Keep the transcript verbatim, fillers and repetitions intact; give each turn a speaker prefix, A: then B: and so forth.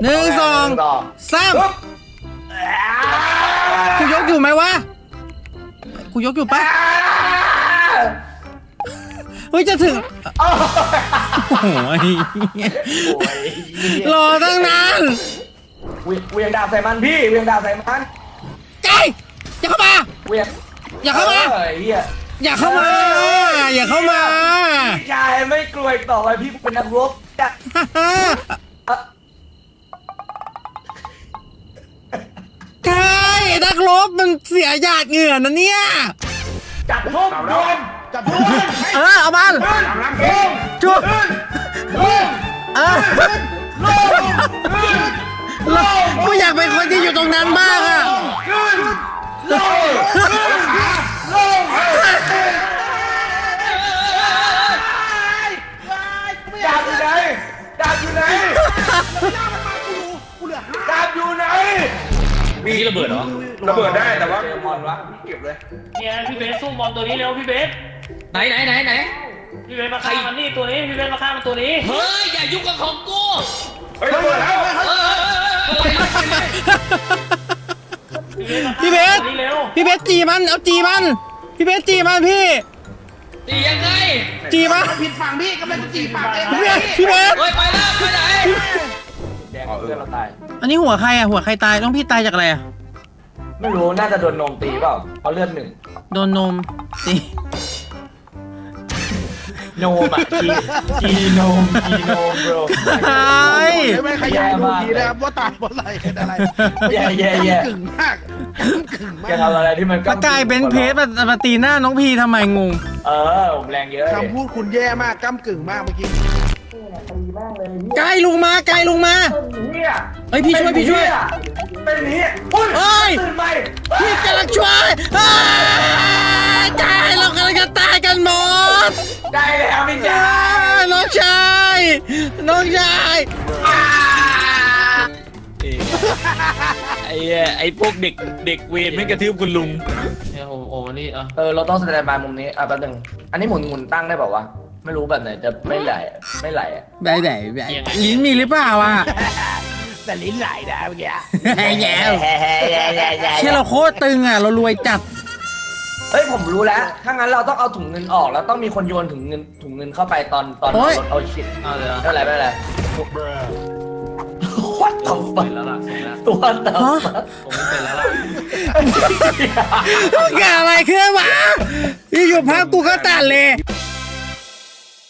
A: หนึ่งสองสามกูยกอยู่ไหมวะกูยกอยู่ปะเฮ้ยจะถึงโอ้ยรอตั้งนาน
B: เวียงดาบใส่มันพี่เวียงดาบใส่มัน
A: ไก่อย่าเข้ามา
B: เวียง
A: อย่าเข้ามาอย่าเข้ามาอย่าเข้ามา
B: พี่ชายไม่กลัวอีกต่อไปพี่เป็นนักรบจัด
A: ใช่นักรบมันเสียหยาดเหงื่อนะเนี่ย
B: จับทุ่มโดนจับทุ่ม
A: เออเอามันจุ๊บเออกูอยากเป็นคนที่อยู่ตรงนั้นบ้างอะ
B: ดาบอยู่ไหนดาบอยู่ไหนดาบอยู่ไหน
C: มีระเบิดเหรอ
B: ระเบิดได้แต่ว่าบอลวะเก็บเลย
C: เนี่ยพี่เบสสู้บอลตัวนี้เร็วพี่เบสไหนไหนไหนไหนพี่เบสมาฆ่ามันนี่ตัวนี้พี่เบสมาฆ่ามันตัวนี้เฮ้ยอย่ายุ่งกับของกู
B: เฮ้ยระเบิดแล้ว
A: พี่เบสพี่เบสจีมันเอาจีมันพี่เบสจีมันพี่
C: จียังไง
A: จีมัน
D: ผิดฝั่งพี่กำลังจะจีฝั่งเอง
A: พี่เบสพี่เบส
C: เฮ้ยไปแล้วไปไหน
B: แดงเพื่อนเราตาย
A: อันนี้หัวใครอ่ะหัวใครตายต้องพี่ตายจากอะไรอ่ะ
B: ไม่รู้น่าจะโดนนมตีเปล่าเอาเลือดหนึ่ง
A: โดนนมตี
B: โนมอ่ะจีจีโนมจีโนมโบร
A: ใช่
D: ไม่ขยายดูทีนะครับว่าตายเพราะอะไรอะไร
B: แย่แย่แย่
D: กึ่งมากกึ่งมาก
B: จะทำอะไรที่มัน
A: ก็กลายเป็นเพจมาตีหน้าน้องพีทำไมงง
B: เออผมแรงเยอะ
D: คำพูดคุณแย่มากก้ำกึ่งมากเมื่อกี้
A: ไกลลงมาไกลลงมาเฮ้ยพี่ช่วยพี่ช่วย
B: เป็นนี้
A: เฮ้ย
B: ตื่นไป
A: พี่กำลังช่วยไกลเรากำลังจะตายกันหมด
B: ได้แล้วพี่ชาย
A: น้องชายน้องชาย
C: ไอ้ไอ้พวกเด็กเด็กเวรไม่กระทืบคุณลุงเนี่ยโอ้โหนี่อ่ะ
B: เออเราต้องแสดงบายมุมนี้อ่ะแป๊บนึงอันนี้หมุนหมุนตั้งได้เปล่าวะไม่รู้แบบไหนจะไม่ไหลไม่ไหลอ่ะ
A: ได้ไหนลิ้นมีหรือเปล่าอ่ะ
D: แต่ลิ้นไหลนะเมื่อกี้
A: แย่เชื่อเราโคตรตึงอ่ะเรารวยจัด
B: เฮ้ยผมรู้แล้วถ้างั้นเราต้องเอาถุงเงินออกแล้วต้องมีคนโยนถุงเงินถุงเงินเข้าไปตอนตอนเอาชิด
C: เอาเลย
B: ไม่เป็นไรไม่เป็นไรวัดตัวไปแล้วล่ะตัวเติม
C: ผมไม่เป็นแล้วล่ะ
A: เกิดอะไรขึ้นวะอยู่ๆภาพกูก็ตัดเลย